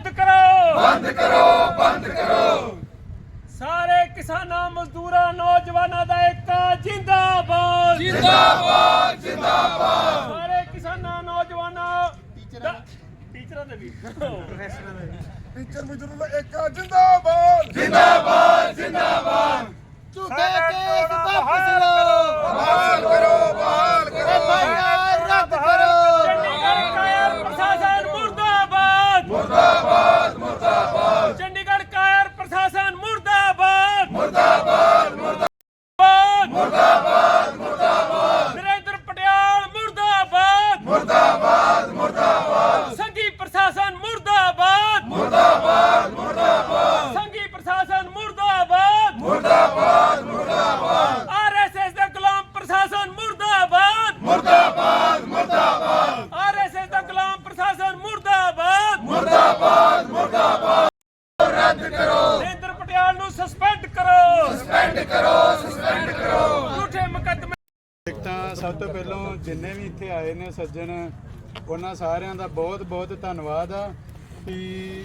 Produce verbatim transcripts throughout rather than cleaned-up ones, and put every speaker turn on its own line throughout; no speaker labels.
बंद करो
बंद करो बंद करो
सारे किसानां मजदूरां नौजवानां दा एकता जिंदाबाद
जिंदाबाद जिंदाबाद
सारे किसानां नौजवानां टीचरां दे भी
टीचर मजदूर ਦਾ ਏਕਾ ਜਿੰਦਾਬਾਦ
जिंदाबाद जिंदाबाद
ਝੂਠੇ ਕੇਸ ਵਾਪਸ ਲਓ
बहाल करो बहाल करो
ਐਫ ਆਈ ਆਰ ਰੱਦ ਕਰੋ
चंडीगढ़ कायर प्रशासन मुर्दाबाद
मुर्दाबाद मुर्दाबाद
चंडीगढ़ कायर प्रशासन मुर्दाबाद
मुर्दाबाद
मुर्दाबाद
मुर्दाबाद मुर्दाबाद
नरेंद्र पटियाल मुर्दाबाद
मुर्दाबाद मुर्दाबाद
संघी प्रशासन मुर्दाबाद
मुर्दाबाद मुर्दाबाद
संघी प्रशासन मुर्दाबाद
मुर्दाबाद मुर्दाबाद
आरएसएस ਦਾ ਗੁਲਾਮ ਪ੍ਰਸ਼ਾਸਨ ਮੁਰਦਾਬਾਦ
मुर्दाबाद मुर्दाबाद
आरएसएस ਦਾ ਗੁਲਾਮ ਪ੍ਰਸ਼ਾਸਨ ਮੁਰਦਾਬਾਦ
मुर्दाबाद मुर्दाबाद रद्द करो
ਨਰਿੰਦਰ ਪਟਿਆਲ ਨੂੰ ਸਸਪੈਂਡ ਕਰੋ
सस्पेंड करो सस्पेंड करो
ਝੂਠੇ ਮੁਕੱਦਮੇ
ਇੱਕ ਤਾਂ ਸਭ ਤੋਂ ਪਹਿਲਾਂ ਜਿੰਨੇ ਵੀ ਇੱਥੇ ਆਏ ਨੇ ਸੱਜਣ ਉਹਨਾਂ ਸਾਰਿਆਂ ਦਾ ਬਹੁਤ ਬਹੁਤ ਧੰਨਵਾਦ ਆ ਕਿ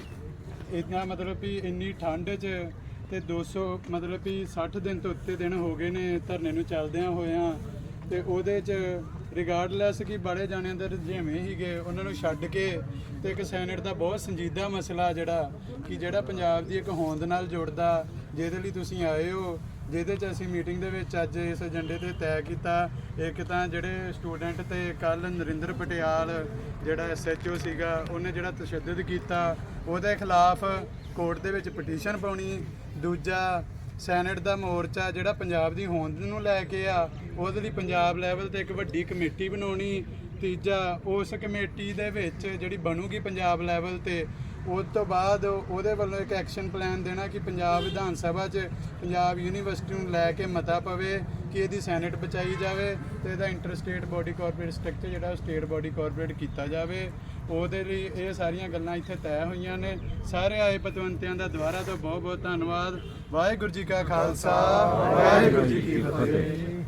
ਇੰਨਾ ਮਤਲਬ ਵੀ ਇੰਨੀ ਠੰਡ 'ਚ ਤੇ ਦੋ ਸੌ ਮਤਲਬ ਵੀ ਸੱਠ ਦਿਨ ਤੋਂ ਉੱਤੇ ਦਿਨ ਹੋ ਗਏ ਨੇ ਧਰਨੇ ਨੂੰ ਚੱਲਦਿਆਂ ਹੋਇਆਂ ਤੇ ਉਹਦੇ 'ਚ ਰਿਗਾਰਡਲੈਸ ਕਿ ਬੜੇ ਜਾਣਿਆਂ ਦੇ ਰੁਝੇਵੇਂ ਸੀਗੇ ਉਹਨਾਂ ਨੂੰ ਛੱਡ ਕੇ ਤੇ ਇੱਕ ਸੈਨੇਟ ਦਾ ਬਹੁਤ ਸੰਜੀਦਾ ਮਸਲਾ ਜਿਹੜਾ ਕਿ ਜਿਹੜਾ ਪੰਜਾਬ ਦੀ ਇੱਕ ਹੋਂਦ ਨਾਲ ਜੁੜਦਾ ਜਿਹਦੇ ਲਈ ਤੁਸੀਂ ਆਏ ਹੋ ਜਿਹਦੇ 'ਚ ਅਸੀਂ ਮੀਟਿੰਗ ਦੇ ਵਿੱਚ ਅੱਜ ਇਸ ਏਜੰਡੇ ਤੇ ਤੈਅ ਕੀਤਾ ਇੱਕ ਤਾਂ ਜਿਹੜੇ ਸਟੂਡੈਂਟ ਤੇ ਕੱਲ ਨਰਿੰਦਰ ਪਟਿਆਲ ਜਿਹੜਾ ਐਸ ਐਚ ਓ ਸੀਗਾ ਉਹਨੇ ਜਿਹੜਾ ਤਸ਼ੱਦਦ ਕੀਤਾ ਉਹਦੇ ਖਿਲਾਫ ਕੋਰਟ ਦੇ ਵਿੱਚ ਪਟੀਸ਼ਨ ਪਾਉਣੀ ਦੂਜਾ ਸੈਨੇਟ ਦਾ ਮੋਰਚਾ ਜਿਹੜਾ ਪੰਜਾਬ ਦੀ ਹੋਂਦ ਨੂੰ ਲੈ ਕੇ ਆ ਉਹਦੇ ਲਈ ਪੰਜਾਬ ਲੈਵਲ ਤੇ ਇੱਕ ਵੱਡੀ ਕਮੇਟੀ ਬਣਾਉਣੀ ਤੀਜਾ ਉਸ ਕਮੇਟੀ ਦੇ ਵਿੱਚ ਜਿਹੜੀ ਬਣੂਗੀ ਪੰਜਾਬ ਲੈਵਲ ਤੇ ਉਸ ਤੋਂ ਬਾਅਦ ਉਹਦੇ ਵੱਲੋਂ ਇੱਕ ਐਕਸ਼ਨ ਪਲਾਨ ਦੇਣਾ ਕਿ ਪੰਜਾਬ ਵਿਧਾਨ ਸਭਾ 'ਚ ਪੰਜਾਬ ਯੂਨੀਵਰਸਿਟੀ ਨੂੰ ਲੈ ਕੇ ਮਤਾ ਪਵੇ ਕਿ ਇਹਦੀ ਸੈਨੇਟ ਬਚਾਈ ਜਾਵੇ ਤੇ ਇਹਦਾ inter state body corporate structure ਜਿਹੜਾ ਸਟੇਟ ਬੋਡੀ ਕਾਰਪੋਰੇਟ ਕੀਤਾ ਜਾਵੇ ਉਹਦੇ ਲਈ ਇਹ ਸਾਰੀਆਂ ਗੱਲਾਂ ਇੱਥੇ ਤੈਅ ਹੋਈਆਂ ਨੇ ਸਾਰੇ ਆਏ ਪਤਵੰਤਿਆਂ ਦਾ ਦੁਬਾਰਾ ਤੋਂ ਬਹੁਤ ਬਹੁਤ ਧੰਨਵਾਦ ਵਾਹਿਗੁਰੂ ਜੀ ਕਾ ਖਾਲਸਾ ਵਾਹਿਗੁਰੂ ਜੀ ਕੀ ਫਤਿਹ।